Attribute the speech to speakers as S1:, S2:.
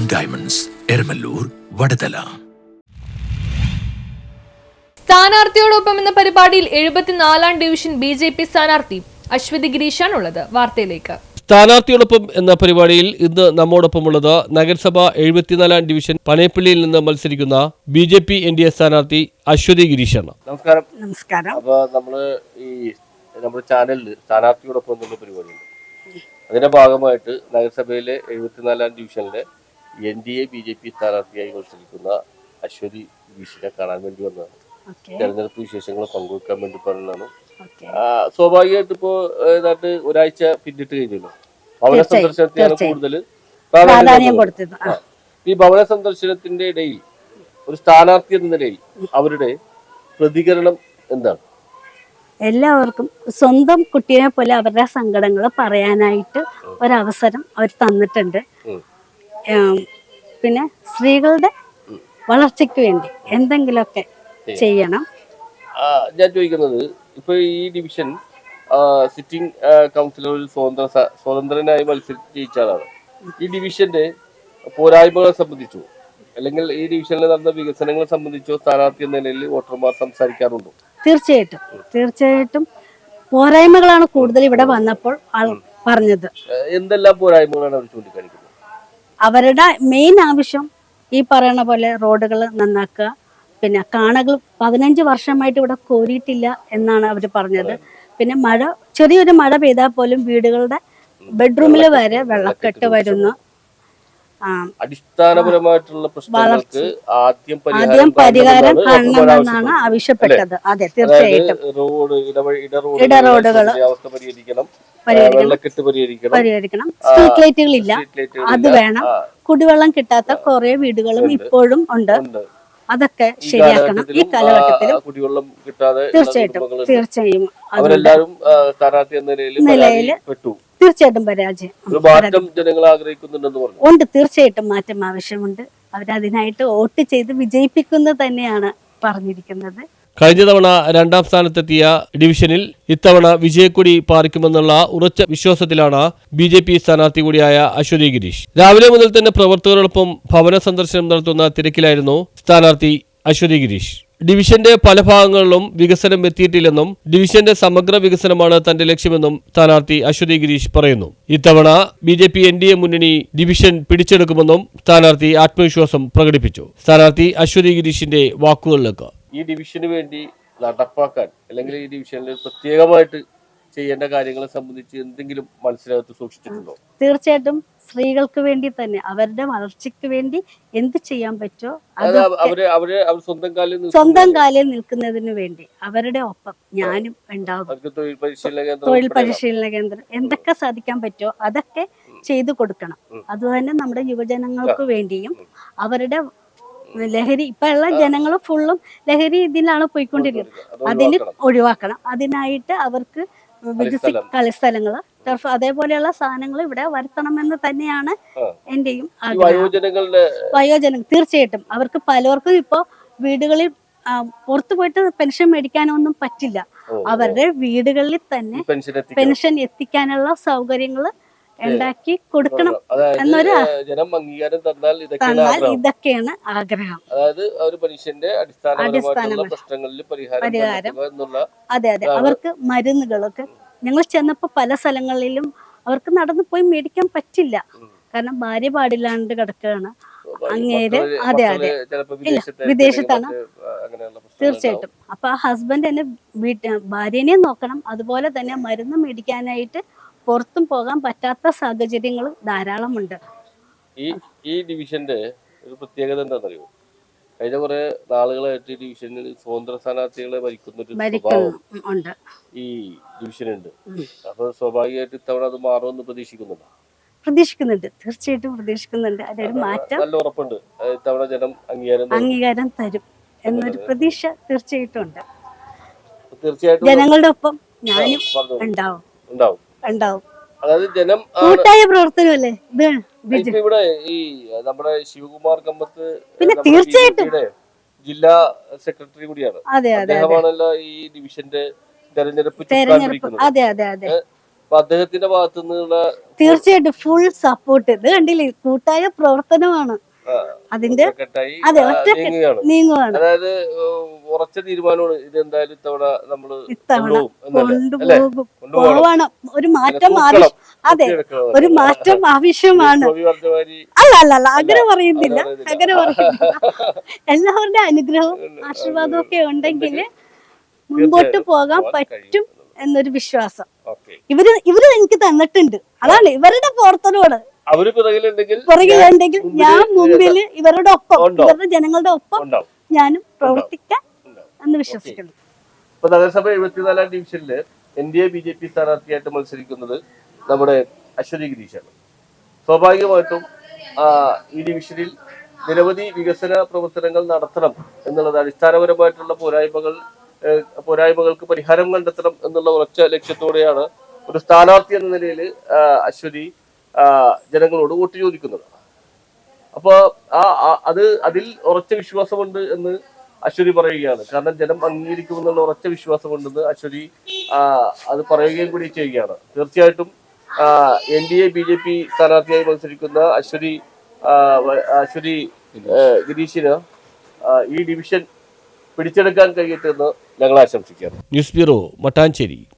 S1: Diamonds, Eramallur, വടതല.
S2: സ്ഥാനാർത്ഥിയോടൊപ്പം എന്ന പരിപാടിയിൽ 74-ാം division BJP സ്ഥാനാർത്ഥി അശ്വതി ഗിരീഷാണുള്ളത്. വാർത്തയിലേക്ക്.
S3: സ്ഥാനാർത്ഥിയോടൊപ്പം എന്ന പരിപാടിയിൽ ഇന്ന് നമ്മോടൊപ്പമുള്ളത് നഗരസഭ 74-ാം ഡിവിഷൻ പനയപ്പള്ളിയിൽ നിന്ന് മത്സരിക്കുന്ന BJP NDA സ്ഥാനാർത്ഥി അശ്വതി ഗിരീഷാണ്.
S4: നമസ്കാരം.
S5: നമസ്കാരം.
S4: അപ്പോൾ നമ്മുടെ ചാനലിൽ സ്ഥാനാർത്ഥിയോടൊപ്പം എന്നുള്ള പരിപാടിയുണ്ട്. അതിന്റെ ഭാഗമായിട്ട് നഗരസഭയിലെ 74-ാം ഡിവിഷനിലെ NDA BJP സ്ഥാനാർത്ഥിയായി മത്സരിക്കുന്ന അശ്വതി ഗിരീഷിനെ കാണാൻ വേണ്ടി വന്നതാണ്. തെരഞ്ഞെടുപ്പ് വിശേഷങ്ങൾ പങ്കുവെക്കാൻ വേണ്ടി പറഞ്ഞതാണ്. സ്വാഭാവികമായിട്ട് ഇപ്പോ ഏതാണ്ട് ഒരാഴ്ച പിന്നിട്ട് കഴിഞ്ഞല്ലോ. ഭവന സന്ദർശനത്തിനാണ് കൂടുതൽ പ്രാധാന്യം കൊടുത്തത്. ഈ ഭവന സന്ദർശനത്തിന്റെ ഇടയിൽ ഒരു സ്ഥാനാർത്ഥി എന്ന നിലയിൽ അവരുടെ പ്രതികരണം എന്താണ്?
S5: എല്ലാവർക്കും സ്വന്തം കുട്ടിയെ പോലെ അവരുടെ സങ്കടങ്ങൾ പറയാനായിട്ട് ഒരവസരം അവർ തന്നിട്ടുണ്ട്. പിന്നെ സ്ത്രീകളുടെ വളർച്ചയ്ക്ക് വേണ്ടി എന്തെങ്കിലുമൊക്കെ ചെയ്യണം.
S4: ഞാൻ ചോദിക്കുന്നത്, ഇപ്പൊ ഈ ഡിവിഷൻ സിറ്റിംഗ് കൗൺസിലർ സ്വതന്ത്രനായി മത്സരിച്ച് ജയിച്ച ആളാണ്. ഈ ഡിവിഷന്റെ പോരായ്മകളെ സംബന്ധിച്ചോ അല്ലെങ്കിൽ ഈ ഡിവിഷനിൽ നടന്ന വികസനങ്ങളെ സംബന്ധിച്ചോ സ്ഥാനാർത്ഥി എന്ന നിലയിൽ വോട്ടർമാർ സംസാരിക്കാറുണ്ടോ?
S5: തീർച്ചയായിട്ടും പോരായ്മകളാണ് കൂടുതൽ ഇവിടെ വന്നപ്പോൾ പറഞ്ഞത്.
S4: എന്തെല്ലാം പോരായ്മകളാണ് അവർ ചൂണ്ടിക്കാണിക്കുന്നത്?
S5: അവരുടെ മെയിൻ ആവശ്യം ഈ പറയുന്ന പോലെ റോഡുകൾ നന്നാക്കുക, പിന്നെ കാണകൾ 15 വർഷമായിട്ട് ഇവിടെ കോരിയിട്ടില്ല എന്നാണ് അവർ പറഞ്ഞത്. പിന്നെ ചെറിയൊരു മഴ പെയ്താൽ പോലും വീടുകളുടെ ബെഡ്റൂമിൽ വരെ വെള്ളക്കെട്ട് വരുന്നു.
S4: അടിസ്ഥാനപരമായിട്ടുള്ള പ്രശ്നങ്ങൾക്ക്
S5: ആദ്യം പരിഹാരം കാണണമെന്നാണ് ആവശ്യപ്പെട്ടത്. അതെ, തീർച്ചയായിട്ടും ഇടറോഡുകൾ പരിഹരിക്കണം. സ്ട്രീറ്റ് ലൈറ്റുകളില്ല, അത് വേണം. കുടിവെള്ളം കിട്ടാത്ത കുറെ വീടുകളും ഇപ്പോഴും ഉണ്ട്. അതൊക്കെ ശരിയാക്കണം ഈ കാലഘട്ടത്തിൽ.
S4: കുടിവെള്ളം കിട്ടാതെ
S5: തീർച്ചയായും
S4: നിലയിൽ
S5: തീർച്ചയായിട്ടും പരാജയം ഉണ്ട്. തീർച്ചയായിട്ടും മാറ്റം ആവശ്യമുണ്ട്. അവരതിനായിട്ട് വോട്ട് ചെയ്ത് വിജയിപ്പിക്കുന്നത് തന്നെയാണ് പറഞ്ഞിരിക്കുന്നത്.
S3: കഴിഞ്ഞ തവണ 2ാം സ്ഥാനത്തെത്തിയ ഡിവിഷനിൽ ഇത്തവണ വിജയക്കൊടി പാറിക്കുമെന്നുള്ള ഉറച്ച വിശ്വാസത്തിലാണ് BJP സ്ഥാനാർത്ഥി കൂടിയായ അശ്വതി ഗിരീഷ്. രാവിലെ മുതൽ തന്നെ പ്രവർത്തകരോടൊപ്പം ഭവന സന്ദർശനം നടത്തുന്ന തിരക്കിലായിരുന്നു സ്ഥാനാർത്ഥി അശ്വതി ഗിരീഷ്. ഡിവിഷന്റെ പല ഭാഗങ്ങളിലും വികസനം എത്തിയിട്ടില്ലെന്നും ഡിവിഷന്റെ സമഗ്ര വികസനമാണ് തന്റെ ലക്ഷ്യമെന്നും സ്ഥാനാർത്ഥി അശ്വതി ഗിരീഷ് പറയുന്നു. ഇത്തവണ BJP NDA മുന്നണി ഡിവിഷൻ പിടിച്ചെടുക്കുമെന്നും സ്ഥാനാർത്ഥി ആത്മവിശ്വാസം പ്രകടിപ്പിച്ചു. സ്ഥാനാർത്ഥി അശ്വതി ഗിരീഷിന്റെ വാക്കുകളിലേക്ക്.
S4: ഈ ഡിവിഷന് വേണ്ടി നടപ്പാക്കാൻ അല്ലെങ്കിൽ ഈ ഡിവിഷനിൽ പ്രത്യേകമായിട്ട് ചെയ്യേണ്ട കാര്യങ്ങളെ സംബന്ധിച്ച് എന്തെങ്കിലും മനസ്സിനകത്ത് സൂക്ഷിച്ചിട്ടുണ്ടോ?
S5: തീർച്ചയായിട്ടും സ്ത്രീകൾക്ക് വേണ്ടി തന്നെ അവരുടെ വളർച്ചയ്ക്ക് വേണ്ടി എന്ത് ചെയ്യാൻ പറ്റുമോ സ്വന്തം കാലിൽ നിൽക്കുന്നതിന് വേണ്ടി അവരുടെ ഒപ്പം ഞാനും ഉണ്ടാകും. തൊഴിൽ പരിശീലന കേന്ദ്രം എന്തൊക്കെ സാധിക്കാൻ പറ്റുമോ അതൊക്കെ ചെയ്തു കൊടുക്കണം. അതുതന്നെ നമ്മുടെ യുവജനങ്ങൾക്ക് വേണ്ടിയും അവരുടെ ലഹരി ഇപ്പൊ ഉള്ള ജനങ്ങൾ ഫുള്ളും ലഹരി ഇതിലാണ് പോയിക്കൊണ്ടിരിക്കുന്നത്. അതിന് ഒഴിവാക്കണം. അതിനായിട്ട് അവർക്ക് കളിസ്ഥലങ്ങള്, ടർഫ്, അതേപോലെയുള്ള സാധനങ്ങൾ ഇവിടെ വരുത്തണമെന്ന് തന്നെയാണ് എന്റെയും വയോജനങ്ങൾ. തീർച്ചയായിട്ടും അവർക്ക് പലർക്കും ഇപ്പോ വീടുകളിൽ പുറത്തു പോയിട്ട് പെൻഷൻ മേടിക്കാനൊന്നും പറ്റില്ല. അവരുടെ വീടുകളിൽ തന്നെ പെൻഷൻ എത്തിക്കാനുള്ള സൗകര്യങ്ങൾ ഉണ്ടാക്കി കൊടുക്കണം എന്നൊരു
S4: ജനം അംഗീകാരം തന്നാൽ
S5: ഇതൊക്കെയാണ് ആഗ്രഹം.
S4: അതായത് ഒരു മനുഷ്യന്റെ അടിസ്ഥാനപരമായിട്ടുള്ള പ്രശ്നങ്ങളിൽ പരിഹാരം.
S5: അതെ, അവർക്ക് മരുന്നുകളൊക്കെ ഞങ്ങൾ ചെന്നപ്പോ പല സ്ഥലങ്ങളിലും അവർക്ക് നടന്നു പോയി മേടിക്കാൻ പറ്റില്ല. കാരണം ഭാര്യ പാടില്ലാണ്ട് കിടക്കുകയാണ് അങ്ങേര്. അതെ, വിദേശത്താണ്. തീർച്ചയായിട്ടും അപ്പൊ ആ ഹസ്ബൻഡ് തന്നെ ഭാര്യനെ നോക്കണം. അതുപോലെ തന്നെ മരുന്ന് മേടിക്കാനായിട്ട് പുറത്തും പോകാൻ പറ്റാത്ത സാഹചര്യങ്ങൾ ധാരാളമുണ്ട്.
S4: ഈ ഡിവിഷന്റെ ഒരു പ്രത്യേകത എന്താണെന്നറിയോ? കഴിഞ്ഞ കുറെ നാളുകളായിട്ട് ഈ ഡിവിഷനിൽ സ്വതന്ത്ര സ്ഥാനാർത്ഥികളെ ഭരിക്കുന്ന ഈ ഡിവിഷനുണ്ട്. അപ്പൊ സ്വാഭാവികമായിട്ട് ഇത്തവണ അത് മാറുമെന്ന്
S5: പ്രതീക്ഷിക്കുന്നുണ്ട്. തീർച്ചയായിട്ടും പ്രതീക്ഷിക്കുന്നുണ്ട്. അതൊരു മാറ്റം നല്ല
S4: ഉറപ്പുണ്ട്. ഇത്തവണ ജനം
S5: അംഗീകാരം തരും എന്നൊരു പ്രതീക്ഷ തീർച്ചയായിട്ടും ഉണ്ട്. ജനങ്ങളുടെ ഒപ്പം ഞാനും ഉണ്ടാവും.
S4: അതായത് ജനം
S5: കൂട്ടായ പ്രവർത്തനമല്ലേ
S4: ഇവിടെ ഈ നമ്മുടെ ശിവകുമാർ കമ്പത്ത്
S5: പിന്നെ തീർച്ചയായിട്ടും
S4: ജില്ലാ സെക്രട്ടറി കൂടിയാണ്. അദ്ദേഹമാണല്ലോ ഈ ഡിവിഷന്റെ തെരഞ്ഞെടുപ്പ്. അപ്പൊ അദ്ദേഹത്തിന്റെ ഭാഗത്തു നിന്നുള്ള
S5: തീർച്ചയായിട്ടും ഫുൾ സപ്പോർട്ട്. ഇത് കണ്ടില്ലേ, കൂട്ടായ പ്രവർത്തനമാണ്. അതിന്റെ
S4: ഒറ്റക്കെട്ടായി
S5: അതെ ഒറ്റക്കെട്ട്
S4: നീങ്ങുകയാണ്.
S5: നീങ്ങുവാണ്.
S4: അതായത് ഉറച്ച തീരുമാനമാണ് ഇത് എന്തായാലും ഇത്തവണ നമ്മള്
S5: ഇത്തവണ
S4: കൊണ്ടുപോകും.
S5: പോവണം. ഒരു മാറ്റം അതെ, ഒരു മാറ്റം ആവശ്യമാണ്. അല്ല അങ്ങനെ പറയുന്നില്ല, അങ്ങനെ പറയുന്നില്ല. എല്ലാവരുടെ അനുഗ്രഹവും ആശീർവാദവും ഒക്കെ ഉണ്ടെങ്കിൽ മുമ്പോട്ട് പോകാൻ പറ്റും എന്നൊരു വിശ്വാസം ഇവര് എനിക്ക് തന്നിട്ടുണ്ട്. അതാണ് ഇവരുടെ പ്രവർത്തനമാണ്.
S4: അവര്
S5: പുറകിലുണ്ടെങ്കിൽ ഞാൻ മുമ്പില് ഇവരുടെ ഒപ്പം, ഇവരുടെ ജനങ്ങളുടെ ഒപ്പം ഞാനും പ്രവർത്തിക്കാൻ എന്ന് വിശ്വസിക്കുന്നു.
S4: ഇപ്പൊ നഗരസഭ 74-ാം ഡിവിഷനില് NDA BJP സ്ഥാനാർത്ഥിയായിട്ട് മത്സരിക്കുന്നത് നമ്മുടെ അശ്വതി ഗിരീഷാണ്. സ്വാഭാവികമായിട്ടും ഈ ഡിവിഷനിൽ നിരവധി വികസന പ്രവർത്തനങ്ങൾ നടത്തണം എന്നുള്ളത്, അടിസ്ഥാനപരമായിട്ടുള്ള പോരായ്മകൾക്ക് പരിഹാരം കണ്ടെത്തണം എന്നുള്ള ഉറച്ച ലക്ഷ്യത്തോടെയാണ് ഒരു സ്ഥാനാർത്ഥി എന്ന നിലയിൽ അശ്വതി ജനങ്ങളോട് വോട്ട് ചോദിക്കുന്നത്. അപ്പൊ അതിൽ ഉറച്ച വിശ്വാസമുണ്ട് എന്ന് അശ്വതി പറയുകയാണ്. കാരണം ജനം അംഗീകരിക്കുമെന്നുള്ള ഉറച്ച വിശ്വാസമുണ്ടെന്ന് അശ്വതി അത് പറയുകയും കൂടി ചെയ്യുകയാണ്. തീർച്ചയായിട്ടും NDA BJP സ്ഥാനാർത്ഥിയായി മത്സരിക്കുന്ന അശ്വതി ഗിരീഷിന് ഈ ഡിവിഷൻ പിടിച്ചെടുക്കാൻ കഴിയട്ടെ എന്ന് ഞങ്ങൾ ആശംസിക്കുകയാണ്.
S3: News bureau, Mattancherry.